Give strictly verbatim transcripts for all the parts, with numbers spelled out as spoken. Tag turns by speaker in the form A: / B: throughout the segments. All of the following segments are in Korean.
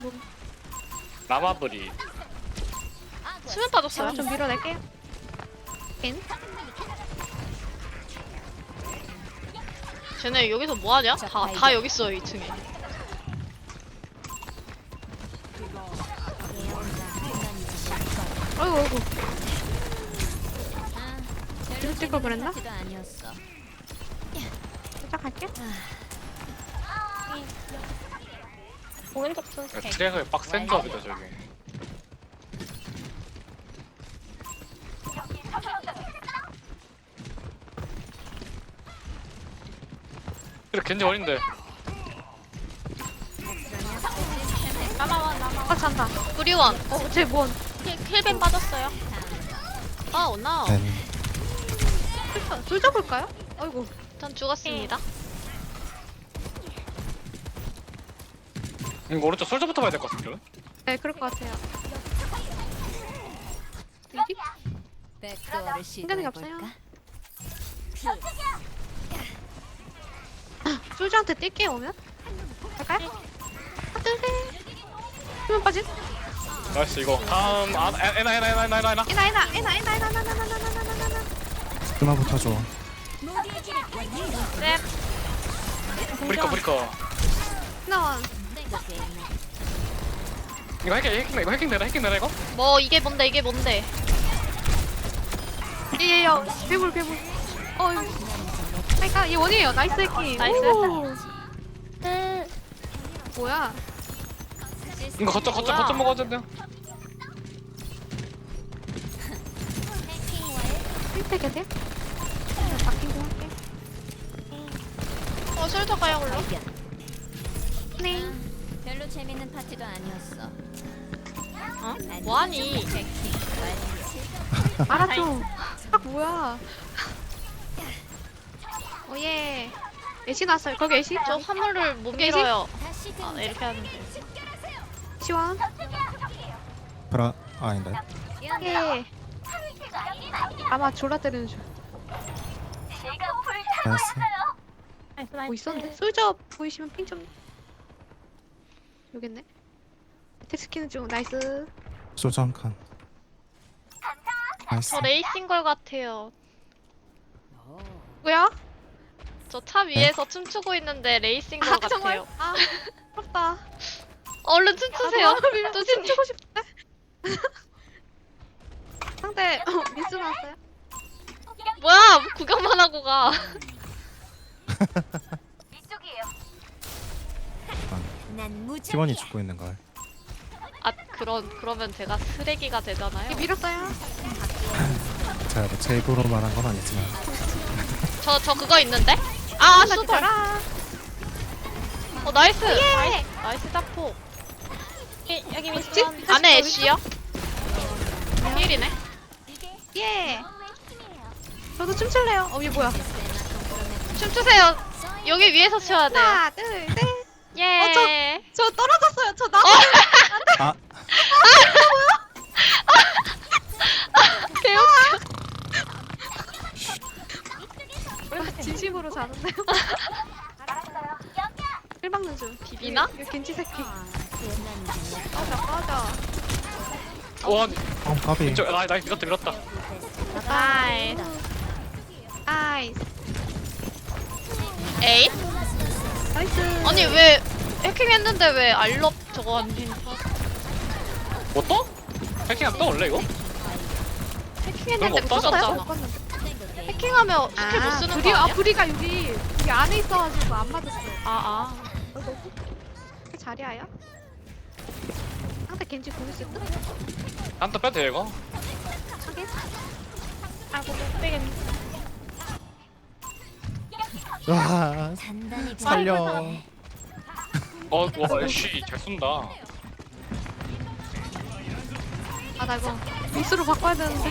A: 라마브리.
B: 수면 빠졌어요.
C: 좀 밀어낼게요. 인.
B: 쟤네 여기서 뭐하냐? 다, 다 여기 있어요, 이 층에.
C: 어이구 어이구. 이거 찍을 그랬나? 살짝 할게.
D: 오른쪽 순서.
A: 트랙을 빡센 조합이다 저기. 이렇게 겐지 어린데.
D: 남아와 남아와.
C: 아 잔다.
B: 뿌리원.
C: 어, 쟤 뭔?
D: 힐- 힐벤 빠졌어요.
B: 아, 온나.
E: 네.
C: 줄 잡을까요? 어이구.
B: 전 죽었습니다.
A: 이거 오른쪽 솔저부터 봐야 될 것 같은데.
C: 네, 그럴 것 같아요. 여기?
F: 백도어를
C: 생각이 없어요.
F: 시도해볼까?
C: 솔저한테 뛸게 오면? 갈까요? 아, 뜨세. 수면 빠진?
A: 나이스 이거. 다음 아 에나 에나 에나 에나 에나 에나.
C: 에나 에나 에나 에나 에나 에나 에나 에나 에나 에나 에나 에나.
E: 그나부터 줘.
B: 네.
A: 브리커 브리커.
C: 에나.
A: 이거 해킹 해킹 이거 해킹 되나 해킹 되나 이거?
B: 뭐, 이게 뭔데, 이게 뭔데.
C: 예예요. 괴물 괴물. 어이. 그러니까 얘 원이에요. 나이스 해킹.
B: 나이스.
C: 오. 뭐야?
A: 이거 거점 거점
B: 뭐야?
A: 거점 먹어야 된대요.
C: 필패 계세요? 바뀐 거 할게.
B: 어, 솔터 가요, 올라.
C: 네.
F: 별로 재밌는 파티도 아니었어.
B: 어? 뭐하니?
C: 알았죠. 아 뭐야? 오예. 애쉬 나왔어요. 거기 애쉬?
B: 저 화물을 못
C: 계시?
B: 밀어요.
F: 다시
B: 아, 네, 이렇게 하면 돼.
C: 시원.
E: 브라 아, 아닌데.
C: 예. 아마 졸라 때리는 줄.
E: 나이스.
D: 나이스
C: 뭐
D: 나이스.
C: 있었는데? 솔저 보이시면 핑 좀. 여깄네. 텍스키는 좀 나이스.
E: 소주 한 칸. 나이스.
B: 저 레이싱 걸 같아요.
C: 뭐야?
B: 저 차 위에서 춤추고 있는데 레이싱 걸
C: 아 정말?
B: 같아요.
C: 아 부럽다.
B: 얼른 춤추세요.
C: 아,
B: 뚜지님.
C: 춤추고 싶대. 상대 어, 미스 나왔어요?
B: 뭐야, 구경만 하고 가.
F: 난 무지.
E: 팀원이 죽고 있는 걸.
B: 아, 그런, 그러면 제가 쓰레기가 되잖아요.
C: 얘 밀었어요.
E: 제가 뭐제 입으로 말한 건 아니지만.
B: 저, 저 그거 있는데? 아,
C: 나
B: 수벌.
C: 죽어라.
B: 어, 나이스.
C: 예.
B: 나이스, 나이스 자폭.
D: 이- 여기
C: 뭐지?
D: 미션.
B: 안에 애쉬요? 힐이네.
C: 예. 저도 춤출래요. 어, 얘 뭐야?
B: 춤추세요. 여기 위에서 춰야 돼요.
C: 하나, 둘, 셋.
B: 예.
C: 저 떨어졌어요. 저 나.
E: 아,
B: 개웃.
C: 아, 진심으로 자는데요. 일박는 중.
B: 비비나?
C: 이거 겐지 새끼.
F: 아, 옛날
C: 꺼져, 꺼져.
A: 와
E: 어, 까비.
A: 이쪽 나 나이스 이것도 밀었다.
B: 나이스.
C: 아이스.
B: 에이?
C: 나이스.
B: 아니, 왜 해킹했는데 왜 알럽 저거 안 해?
A: 뭐 또? 해킹 안 떠 원래 이거?
B: 해킹했는데
A: 그런 거 없다잖아.
B: 부쉈잖아.
C: 못 봤는데.
B: 해킹하면 스킬 못 쓰는
C: 불이,
B: 거
C: 아,
B: 아니야?
C: 불이가 여기, 여기 안에 있어가지고 안 맞았어요.
B: 아, 아.
C: 자리야야? 상대 겐지 공 있을 듯?
A: 한타 빼도 돼 이거?
C: 하긴.
D: 아이고 못 빼겠네.
E: 와,
F: 단단히
E: 살려.
A: 어와 애쉬 잘 쏜다.
C: 아, 나 이거 미스로 바꿔야 되는데.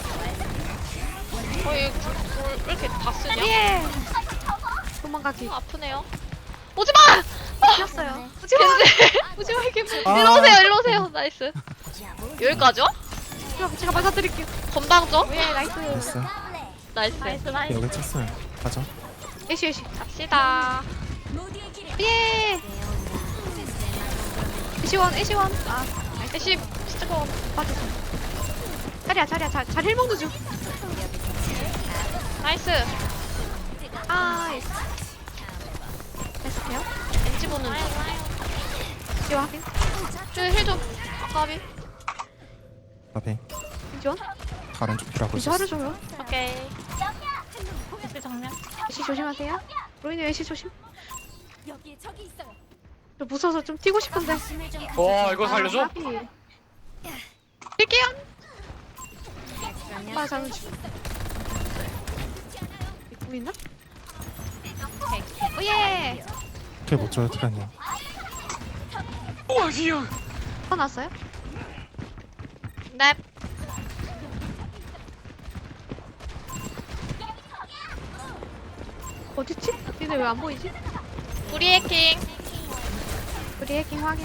B: 어, 얘 불, 불, 왜 이렇게 다 쓰냐?
C: 예! 도망가기.
B: 아, 아프네요. 오지 마!
C: 뛰었어요. 오지마! 오지마, 이게 뭐.
E: 아.
B: 일로 오세요, 일로 오세요. 나이스. 여기까지요?
C: 제가, 제가 맞아드릴게요.
B: 건방져?
C: 예, 나이스.
E: 나이스.
B: 나이스.
D: 나이스 나이스.
E: 여기 쳤어요. 가자.
C: 애쉬, 애쉬.
B: 갑시다.
C: 예! 애쉬원 애쉬원. 아
B: 애쉬 스티커.
C: 빠졌어. 자리야 자리야 자, 잘 힐먹는 중.
B: 나이스.
C: 아 됐어요.
B: 엔지 보는 중.
C: 지원 확인.
B: 저힐좀 아까비.
E: 앞에
C: 지원.
E: 다른 쪽 필요하고
C: 이제
E: 있었어.
C: 하루 종요.
B: 오케이.
D: 애쉬 정면.
C: 애쉬 조심하세요. 로이님 애쉬 조심.
F: 여기 저기 있어요.
C: 저 무서워서 좀 튀고 싶은데.
F: 힘을 좀
A: 와 이거 살려줘?
C: 아, 까비. 뛸게요.
F: 그러면
C: 아 잠깐. 뭐 있나? 오예.
E: 이렇게 못 줘요 티라님.
A: 우와 귀여워.
C: 화났어요?
B: 넵.
C: 어딨지? 니네 왜 안 보이지?
B: 우리 해킹.
C: 우리 해킹 확인.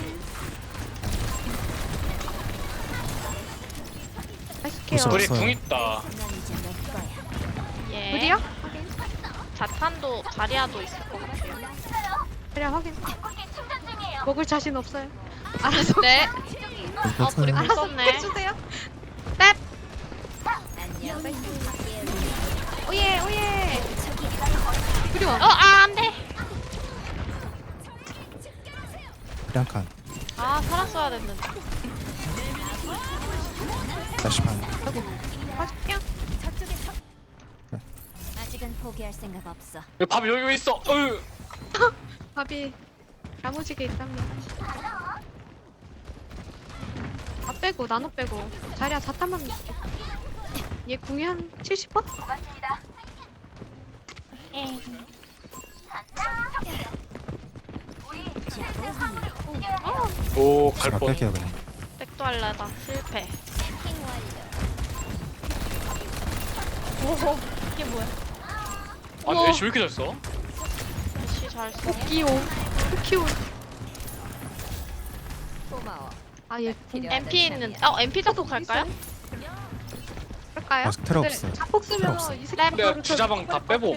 C: 맛있게요.
E: 무서워.
A: 우리
E: 없어요.
A: 궁 있다.
F: 난 이제 내 거야.
B: 예.
C: 우리요? 확인.
B: 자탄도 자리아도 있을 것 같아요.
C: 그래 확인. 먹을 자신 없어요. 알아서.
B: 네. 아 불이
E: 괜찮아요.
C: 알아서
B: 껐네.
C: 해주세요.
F: 안녕.
C: 오예 오예. 우리
B: 어,
C: 와.
B: 아, 안 돼.
E: 한 칸.
B: 아, 살았어야 됐는데.
E: 다시 반.
C: 빠질게요.
F: 아직은 포기할 생각 없어.
A: 여기 밥 여기 있어. 어휴.
C: 밥이 야무지게 있답니다. 다 빼고 나눠 빼고 자리야 자탄만 있을게. 얘 궁이 한 칠십 번?
D: 예.
A: 오
E: 제가
A: 갈뻔.
E: 뺄게요 그냥.
B: 백도 할래다. 실패.
D: 오호. 이게 뭐야?
A: 아니 애쉬 왜 이렇게 잘 써?
B: 애쉬 잘 써.
C: 토끼오 토끼오.
F: 고마워.
C: 아얘
B: 엠피 있는. 어, 엠피 잡고 갈까요?
C: 그럴까요?
E: 아, 테러 없어요.
C: 자폭
E: 테러
C: 쓰면
E: 없어요.
C: 이 새끼
A: 내가 주자방 다 빼고.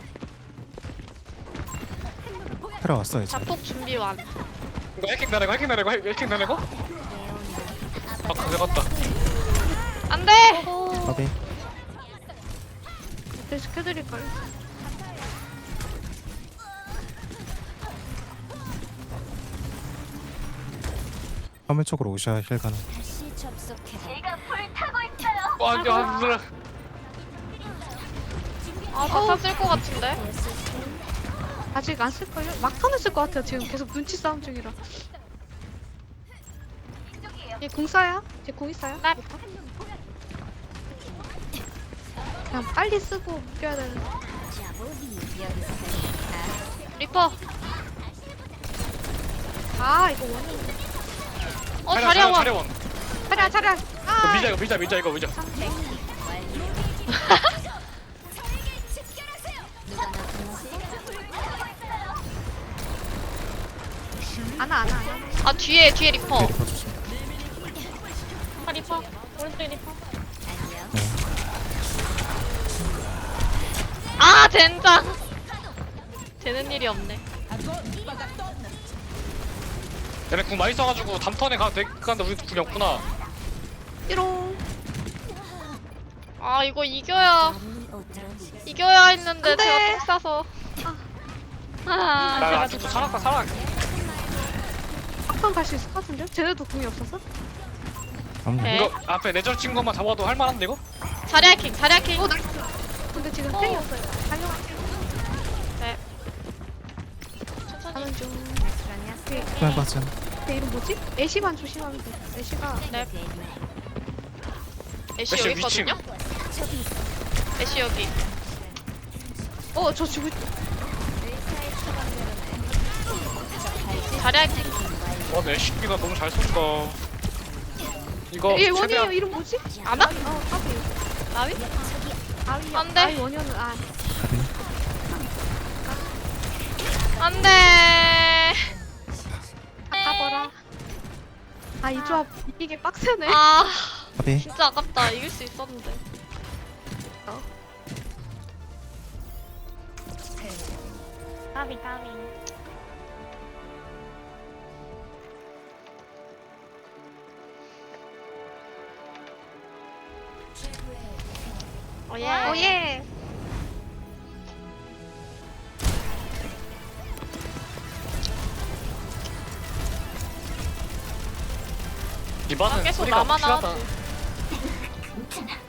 E: 테러 왔어 이제.
B: 자폭 준비 완.
A: 이거 해킹 나내고 해킹 나내고 해킹 나내고. 아 가져갔다.
B: 안 돼!
E: 까비.
C: 네, 시켜드릴걸.
E: 화면 쪽으로 오셔야 힐 가능.
F: 다시 접속해.
A: 아니 안 들어.
B: 아, 자탄 쓸것 같은데?
C: 아직 안 쓸걸요? 막타는 쓸 것 같아요. 지금 계속 눈치 싸움 중이라. 얘 궁 쏴요? 쟤궁 있어요?
B: 네.
C: 그냥 빨리 쓰고 묶여야 되는.
F: 자보기 여기서
B: 리퍼.
C: 아 이거 원인.
B: 어, 자리아 원.
A: 차려원.
C: 차려 차려.
A: 이거
C: 아
A: 밀자 이거 밀자 밀자 이거 밀자.
F: 누가 나 불렀어?
C: 안아 안아 안아.
B: 아, 뒤에, 뒤에 리퍼.
E: 네, 리퍼 조심.
D: 아, 리퍼. 오른쪽에 리퍼.
F: 안녕.
B: 아, 젠장. 되는 일이 없네.
A: 얘네 궁 많이 써가지고 다음 턴에 가도 돼. 근데 우리 궁이 없구나.
C: 띠롱.
B: 아, 이거 이겨야,
F: 어쩌지?
B: 이겨야 했는데
C: 안 돼.
B: 제가 똥 싸서. 아,
A: 나 아직도 살았다 살아.
C: 한판 갈 수 있을 것 같은데요? 쟤네도 궁이 없었어?
E: 아무
B: 네.
A: 이거 앞에 내절 친 것만 잡아도 할만한데 이거?
B: 자리아 킹, 자리아 킹.
C: 오 나이스. 근데 지금
B: 어.
C: 땡이었어요. 달려갈게요.
B: 네. 천천히.
C: 가는 중.
F: 그러냐?
E: 화면 빠진.
C: 걔 이름 뭐지? 애쉬만 조심하면 돼. 애쉬가
B: 네. 애쉬
A: 애쉬
B: 여기
A: 위층.
B: 있거든요? 애쉬 여기.
C: 어 저 죽을.
B: 자리아 킹.
A: 와 애쉬가 너무 잘 쏜다. 이거
C: 얘 원이에요.
A: 최대한
C: 이름 뭐지?
B: 아나?
C: 어 까비.
B: 나위?
C: 아위.
B: 안 돼.
C: 아위 원이었는 아.
B: 안 돼.
C: 아까버라. 아 이 조합 이기게 빡세네.
B: 아,
E: 까비.
B: 진짜 아깝다. 이길 수 있었는데.
D: 까비, 까비.
B: 오예.
C: 오예.
A: 디바는
B: 아, 계속
A: 소리가
B: 나만
A: 확실하다.
B: 하지.